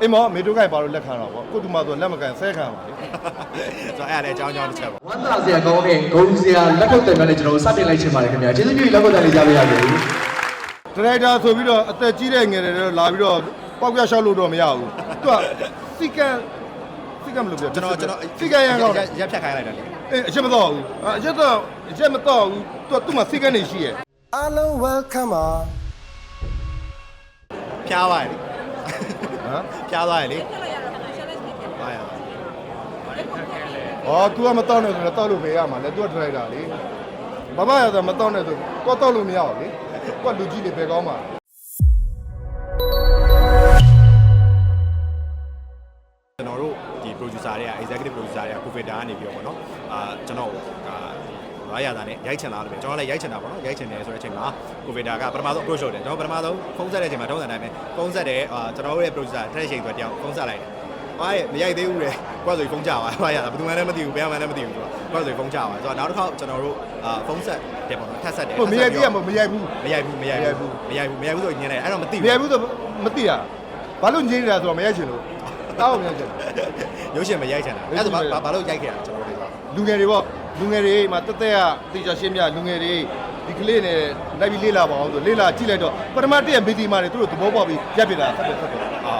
မောမေတို့ခိုင်ပါလို့လက်ခံတော့ဗောကိုတူမဆိုလက်မကန်ဆဲခံပါလေဆိုတော့အဲ့ဒါလည်းအကြောင်းတစ်ချက်ပါဝမ်းသာစရာကောင်းတဲ့ဂုဏ်စရာလက်ခုပ်တယ်များနဲ့ကျွန်တော်တို့စတင်လိုက်ချင်ပါတယ်ခင်ဗျာကျေးဇူးပြုလက်ခုပ်တယ်လေးကြားပေးရစေဒရိုက်တာဆိုပြီးတော့အသက်ကြီးတဲ့ငယ်တွေတော့လာပြီးတော့ပေါက်ပြရှောက်လို့တော့မရဘူးသူကစီကံမလို့ပြောကျွန်တော်စီကံရအောင်ရက်ဖြတ်ခိုင်းလိုက်တာလေအချက်မတော့ဘူးအချက်မတော့ဘူးသူမှစီကံနေရှိရဲ့အားလုံး welcome ပါဖျားပါလေဟမ်ဖျားသွားရလေဟာရအော် तू ကမတော့နဲ့ဆိုတော့တောက်လို့ပဲရမှာလေ तू ကဒရိုက်တာလေဘာမှရတော့မတော့နဲ့ဆိုတော့တောက်လို့မရဘူးလေကိုကလူကြီးတွေပဲကောင်းပါကျွန်တော်တို့ဒီ producer တွေက executive producer တွေက COVID ကနေပြီးတော့ပေါ့နော်ကျွန်တော်ရာရတာနဲ့ရိုက်ချင်လာတယ်ပဲကျွန်တော်လည်းရိုက်ချင်တာပေါ့နော်ရိုက်ချင်တယ်ဆိုတဲ့အချိန်မှာ COVID ကပထမဆုံး approach လုပ်တယ်ကျွန်တော်ပထမဆုံးဖုန်းဆက်တဲ့အချိန်မှာတုံးစံတိုင်းပဲဖုန်းဆက်တယ်ကျွန်တော်တို့ရဲ့ producer တစ်ချိန်ဆိုတယောက်ဖုန်းဆက်လိုက်တယ်ဟာရဲ့မရိုက်သေးဘူးလေကိုယ်ဆိုဖုန်းကြပါဘာရတာဘယ်သူမှလည်းမသိဘူးဘယ်မှလည်းမသိဘူးဆိုတော့ကိုယ်ဆိုဖုန်းကြပါဆိုတော့နောက်တစ်ခါကျွန်တော်တို့ဖုန်းဆက်တယ်ပေါ့နော်ထပ်ဆက်တယ်မရိုက်သေးရမရိုက်ဘူးဆိုညင်းလိုက်အဲ့တော့မသိဘူးမရိုက်ဘူးဆိုမသိတာဘာလို့ညင်းနေတာဆိုတော့မရိုက်ချင်လို့တောက်မရိုက်ချင်ရုပ်ရှင်မရိုက်ချင်တာအဲ့ဒါဘာလို့ရိုက်ခဲ့တာကျွန်တော်တို့လူငယ်တွေပေါ့လူငယ်တွေမှာတက်တက်ကတေချာရှင်းပြလူငယ်တွေဒီကလေးနဲ့လိုက်ပြီးလေ့လာပါအောင်ဆိုလေ့လာကြည့်လိုက်တော့ပထမတစ်ရက်မီတီမာတွေသူတို့သဘောပေါက်ပြီးရက်ပြတာဆက်တော့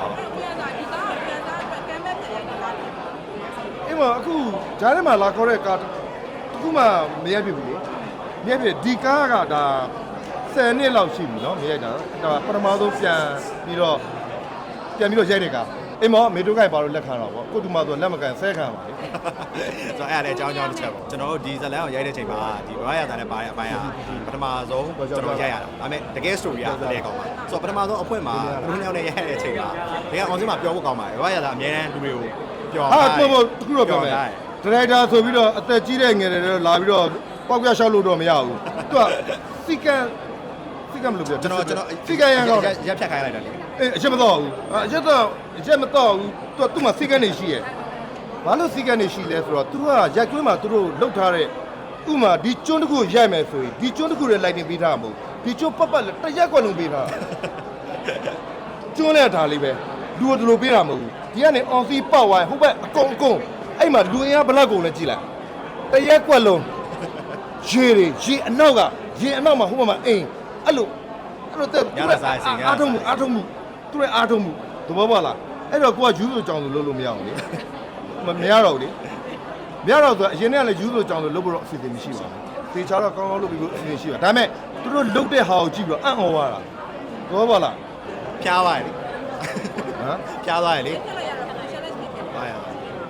အေးမအခုဂျားထဲမှာလာခေါ်တဲ့ကားတခုမှမရက်ပြဘူးလေမရက်ပြဒီကားကဒါ10နှစ်လောက်ရှိပြီနော်မရက်တာဒါပထမဆုံးပြန်ပြီးတော့ရိုက်တဲ့ကားအေးမောမေတို့ခိုင်ပါလို့လက်ခံတော့ဗောကိုတူမဆိုလက်မကန်ဆဲခံပါလေဆိုတော့အဲ့ဒါလည်းအကြောင်းတစ်ချက်ပေါ့ကျွန်တော်တို့ဒီဇလန်ကိုရိုက်တဲ့ချိန်မှာဒီဘာရတာနဲ့ဘာရအပိုင်းဟာပထမဆုံးကျွန်တော်ရိုက်ရတာဒါပေမဲ့တကယ် story ကလည်းကောင်းပါဆိုတော့ပထမဆုံးအဖွင့်မှာဘုံနှစ်ယောက်နဲ့ရိုက်တဲ့အချိန်မှာဒီကအောင်စင်းမှာပြောဖို့ကောင်းပါတယ်ဘာရတာအများတန်းလူတွေကိုပြောဟာတခုတော့ပြောမယ်ဒရိုက်တာဆိုပြီးတော့အသက်ကြီးတဲ့ငယ်တွေတော့လာပြီးတော့ပေါက်ပြရှောက်လို့တော့မရဘူးသူကစီကံမလို့ပြောကျွန်တော်စီကံရအောင်ရက်ဖြတ်ခိုင်းလိုက်တာလေအချက်မတော့ဘူးအချက်မတော့ဘူးသူမှစီကံနေရှိရဲ့ဘာလို့စီကံနေရှိလဲဆိုတော့သူတို့ကရိုက်ကွင်းမှာသူတို့လှုပ်ထားတဲ့ဥမာဒီကျွန်းတစ်ခုရိုက်မယ်ဆိုရင်ဒီကျွန်းတစ်ခုရဲ့လိုက်တင်ပေးထားမှာမဟုတ်ဒီကျွန်းပတ်တရက်ကွက်လုံးပေးထားကျွန်းနဲ့ထားလေးပဲလူတို့လိုပေးတာမဟုတ်ဘူးဒီကနေအောင်စီပောက်ဝိုင်းဟိုဘက်အကုန်အဲ့မှာလူအင်အားဘလောက်ကုန်လဲကြည့်လိုက်တရက်ကွက်လုံးရေအနောက်ကမှာဟိုဘက်မှာအိမ်အဲ့လိုတက်အားထုံမှုသူရဲ့အားထုံမှုသဘောပေါက်လားအဲ့တော့ကိုကယူဆိုကြောင်ဆိုလုပ်လို့မရအောင်လေမရတော့ဘူးလေမရတော့ဆိုအရင်ကလည်းယူဆိုကြောင်ဆိုလုပ်ဖို့တော့အစီအစဉ်မရှိပါဘူးသေချာတော့ကောင်းလုပ်ပြီးလို့အစီအစဉ်ရှိပါဒါပေမဲ့သူတို့လုပ်တဲ့ဟာကိုကြည့်ပြီးတော့အံ့ဩသွားတာသဘောပေါက်လားဖျားသွားရလေဟမ်ဖျားသွားရလေဟာရ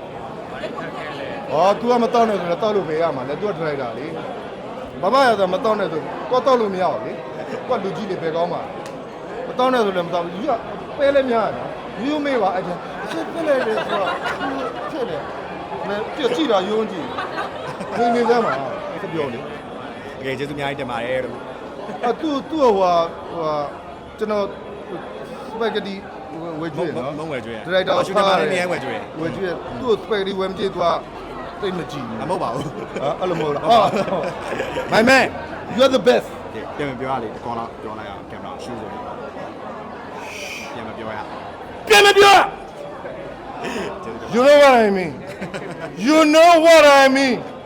အော် तू ကမတော့နဲ့ဆိုတော့တောက်လို့ပဲရမှာလေ तू ကဒရိုက်တာလေဘာမှရတော့မတော့နဲ့ဆိုတော့တောက်လို့မရဘူးလေကိုကလူကြီးတွေပဲကောင်းပါမတော့နဲ့ဆိုလည်းမတော့ဘူးယူကပဲလဲများတယ်ယူမေးပါအဲ့ဒါအချက်ပြလိုက်တယ်ဆိုတော့ဖြစ်တယ်မင်းကြည့်တာယုံကြည့်နေစမ်းပါဆက်ပြောလေโอเคကျေးဇူးအများကြီးတင်ပါတယ်လို့သူ့ဟိုကျွန်တော်စပဂက်တီဝယ်ကျွေးနော်မဝယ်ကျွေးဒရိုက်တာရှူတင်မှာလည်းနေဝယ်ကျွေးသူ့စပဂက်တီဝယ်မကြည့်သူကတိတ်မကြည့်ဘူးမဟုတ်ပါဘူးအဲ့လိုမဟုတ်လားmy man you are the best ပြန်ပြောရလေဒီကောလာပြောလိုက်အောင်ကင်မရာရှူဆိုပြန်မပြောရ You know what I mean? You know what I mean?